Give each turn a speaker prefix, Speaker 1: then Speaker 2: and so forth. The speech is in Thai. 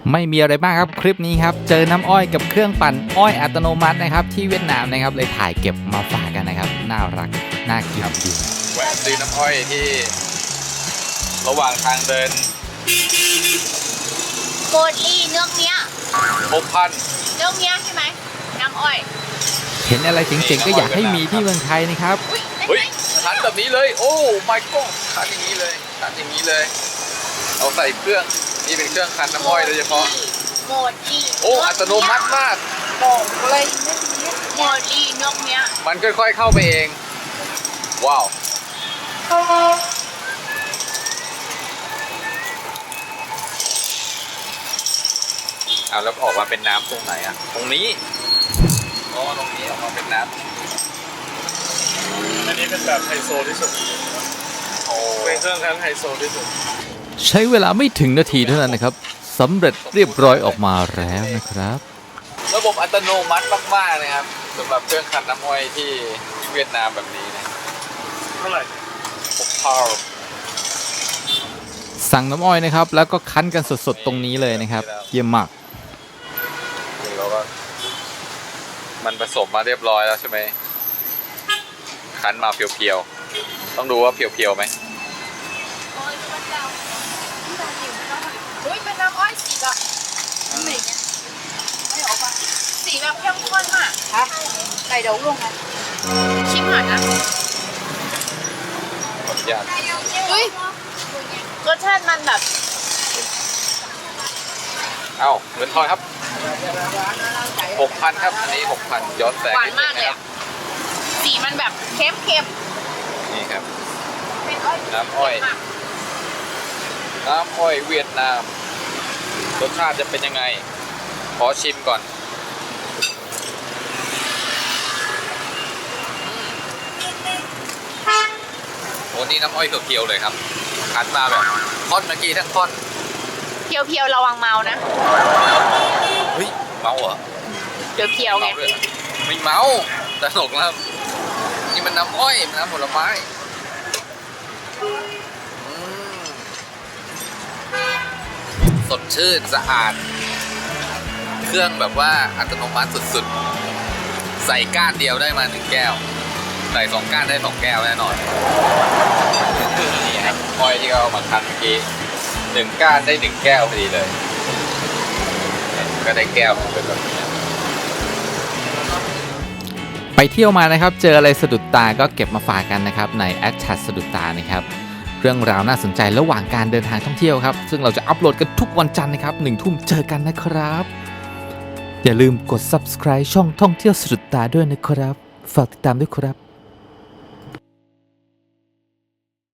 Speaker 1: ไม่มีอะไรมากครับคลิปนี้ครับเจอน้ำอ้อยกับเครื่องปั่นอ้อยอัตโนมัตินะครับที่เวียดนามนะครับเลยถ่ายเก็บมาฝากกันนะครับน่ารักน่ากินดี
Speaker 2: แวะซื้อน้ำอ้อยที่ระหว่างทางเดิน
Speaker 3: โกลี่เนื้อเนี้ย
Speaker 2: 6,000
Speaker 3: เนื้อเนี้ยใช่ไหมน้ำอ้อย
Speaker 1: เห็นอะไรเจ๋งๆก็อยากให้มีที่เมืองไทยนะครับ
Speaker 2: เฮ้ยคันแบบนี้เลยโอ้ my god คันอย่างนี้เลยคันอย่างนี้เลยเอาใส่เครื่องนี่เป็นเครื่องคันน้ำอ้อยโดยเฉพาะ
Speaker 3: โมลี่
Speaker 2: โอ้อัตโนมัติมาก
Speaker 3: บอกอะไรโมลี่เนื้อเนี้ย
Speaker 2: มันค่อยๆเข้าไปเองว้าวเอาแล้วออกมาเป็นน้ำตรงไหนอ่ะตรงนี้อ๋อตรงนี้ออกมาเป็นน้ำ
Speaker 4: อันนี้เป็นแบบไฮโซที่สุดเป็นเครื่องคั้นไฮโซที่สุด
Speaker 1: ใช้เวลาไม่ถึงนาทีเท่านั้นนะครับสำเร็จเรียบร้อยออกมาแล้วนะครับ
Speaker 2: ระบบอัตโนมัติมากๆนะครับสำหรับเครื่องคั้นน้ำอ้อยที่เวียดนามแบบนี้นะ
Speaker 4: เท่าไหร่
Speaker 2: 6,000
Speaker 1: สั่งน้ำอ้อยนะครับแล้วก็คั้นกันสดๆตรงนี้เลยนะครับเยี่ยมมาก
Speaker 2: เราก็มันผสมมาเรียบร้อยแล้วใช่ไหมคั้นมาเพียวๆต้องดูว่าเพียวๆไหม
Speaker 3: โอ้ยพระเจ้าอุ้ยเป็นน้ำอ้อยสีแบบไหนเนี่ยไม่ออกมาสีแบบเข้มข้นมากฮะไก่เดาลงนะชิมหน่อยนะ
Speaker 2: ขออนุญาต
Speaker 3: อุ้ยรสชาติมันแบบ
Speaker 2: เอ้าเงินทอนครับ 6,000 ครับอันนี้ 6,000 ย้อนแสง
Speaker 3: หวานมากเลยสีมันแบบเค็ม
Speaker 2: นี่ครับ
Speaker 3: ๆ
Speaker 2: น้ำอ้อยเวียดนามรสชาติจะเป็นยังไงขอชิมก่อนโอ้นี่น้ำอ้อยเพียวๆเลยครับคั้นมาแบบท่อนเมื่อกี้ทั้งท่อน
Speaker 3: เพียวๆระวังเมานะ
Speaker 2: เฮ้ยเมาเหรอ
Speaker 3: เพียวๆไง
Speaker 2: ไม่เมาแต่หนกแล้วนี่มันน้ำอ้อยมันน้ำผลไม้สดชื่นสะอาดเครื่องแบบว่าอัตโนมัติสุดๆใส่ก้านเดียวได้มา1 แก้วใส่2 ก้านได้2 แก้วแน่นอนนี่ครับอ้อยที่เขาเอามาคั้นเมื่อกี้1 ก้านได้1 แก้วพอดีเลยก็ได้แก้วเป็นแบบนี้
Speaker 1: ไปเที่ยวมานะครับเจออะไรสะดุดตาก็เก็บมาฝากกันนะครับในแอดแชทสะดุดตานะครับเรื่องราวน่าสนใจระหว่างการเดินทางท่องเที่ยวครับซึ่งเราจะอัปโหลดกันทุกวันจันทร์นะครับ1 ทุ่มเจอกันนะครับอย่าลืมกด subscribe ช่องท่องเที่ยวสะดุดตาด้วยนะครับฝากติดตามด้วยครับ